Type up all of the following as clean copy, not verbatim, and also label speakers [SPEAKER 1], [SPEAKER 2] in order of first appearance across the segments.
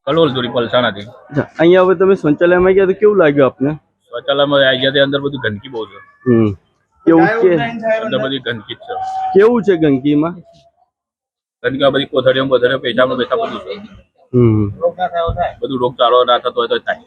[SPEAKER 1] કલોલ દોરી પલસાણાથી.
[SPEAKER 2] અહીંયા હવે તમે શૌચાલયમાં ગયા તો કેવું લાગ્યું આપને?
[SPEAKER 1] શૌચાલયમાં આવી ગયા અંદર બધું ગંદકી બહુ છે.
[SPEAKER 2] કેવું કે
[SPEAKER 1] અંદર બધી ગંદકી જ છે.
[SPEAKER 2] કેવું છે ગંદકીમાં?
[SPEAKER 1] ગંદકી બધી કોથળીઓ પેશાબ બધું છે. બધું રોગચાળો ના થતો હોય તો થાય.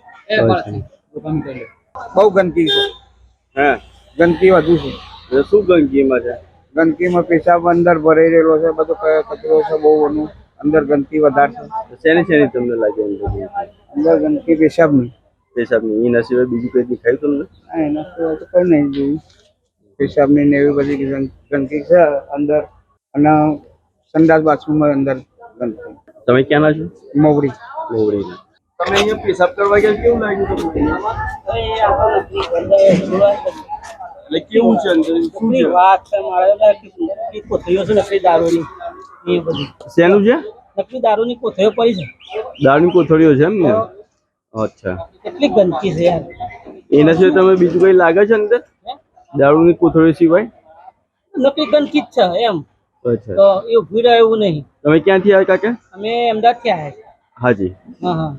[SPEAKER 3] બહુ ગંદકી છે.
[SPEAKER 2] હા,
[SPEAKER 3] ગંદકી વધુ છે.
[SPEAKER 2] શું ગંદકીમાં છે?
[SPEAKER 3] ગંદકીમાં પેશાબ અંદર ભરાઈ રહેલો છે, બધો કચરો છે બહુ એનું અંદર ગંદકી વધારે છે.
[SPEAKER 2] શેની તમને લાગે
[SPEAKER 3] અંદર ગંદકી પેશાબની.
[SPEAKER 2] પેશાબની એના સિવાય બીજું કઈ દેખાયું તમને?
[SPEAKER 3] એના સિવાય તો કઈ નહીં જોયું. પેશાબની ને એવી બધી ગંદકી છે અંદર, અને સંડાસ બાથરૂમમાં અંદર ગંદકી.
[SPEAKER 2] તમે ક્યાંના છો?
[SPEAKER 3] મોવડી.
[SPEAKER 2] મોવડી. તમે અહીંયા પેશાબ કરવા ગયા કેવું લાગ્યું તમને? એટલે કેવું છે અંદર? શું છે?
[SPEAKER 4] વાત છે મારે કોથળીઓ છે નકલી દારૂની એ બધી.
[SPEAKER 2] શેનું છે?
[SPEAKER 4] નકલી દારૂની કોથળીઓ પડી છે.
[SPEAKER 2] દારૂની કોથળીઓ છે એમ ને? અચ્છા.
[SPEAKER 4] કેટલી ગંદકી છે યાર.
[SPEAKER 2] એના સિવાય તમે બીજું કઈ લાગે છે અંદર? દારૂની કોથળીઓ સિવાય
[SPEAKER 4] નકલી ગંદકી જ છે એમ.
[SPEAKER 2] અચ્છા.
[SPEAKER 4] તો એ ઉભી રહે એવું નહીં.
[SPEAKER 2] તમે ક્યાંથી આવ્યા કાકા?
[SPEAKER 4] અમે અમદાવાદથી આવ્યા.
[SPEAKER 2] હાજી.
[SPEAKER 4] હા હા.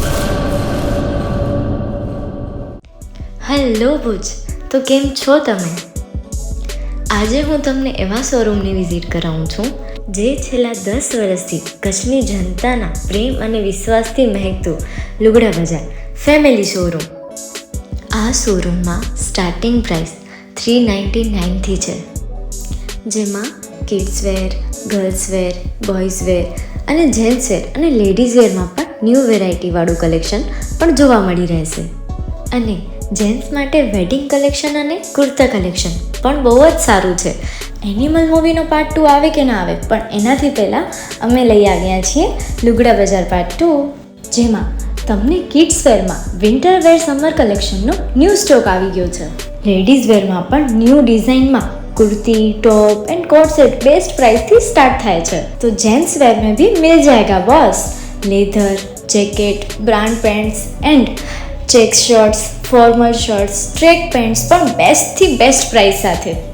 [SPEAKER 5] હેલો ભુજ, તો કેમ છો તમે? આજે હું તમને એવા શોરૂમની વિઝિટ કરાવું છું જે છેલ્લા 10 વર્ષથી કચ્છની જનતાના પ્રેમ અને વિશ્વાસથી મહેકતું લુગડા બજાર ફેમિલી શોરૂમ. આ શોરૂમમાં સ્ટાર્ટિંગ પ્રાઇસ 399થી છે, જેમાં kids wear, girls wear, boys wear અને જેન્ટ્સ વેર અને લેડીઝ વેરમાં પણ ન્યૂ વેરાયટીવાળું કલેક્શન પણ જોવા મળી રહેશે. અને જેન્ટ્સ માટે વેડિંગ કલેક્શન અને કુર્તા કલેક્શન પણ બહુ જ સારું છે. એનિમલ મૂવીનો પાર્ટ 2 આવે કે ના આવે, પણ એનાથી પહેલાં અમે લઈ આવ્યા છીએ લુગડા બજાર પાર્ટ 2, જેમાં તમને કિડ્સ વેરમાં વિન્ટર વેર સમર કલેક્શનનો ન્યૂ સ્ટોક આવી ગયો છે. લેડીઝ વેરમાં પણ ન્યૂ ડિઝાઇનમાં kurti, top and coat set best price थी स्टार्ट थाय छे. तो जेंट्स वेर में भी मिल जाएगा boss. Leather, jacket, brand pants and check shirts, formal shirts, track pants पर बेस्ट थी बेस्ट प्राइस साथे.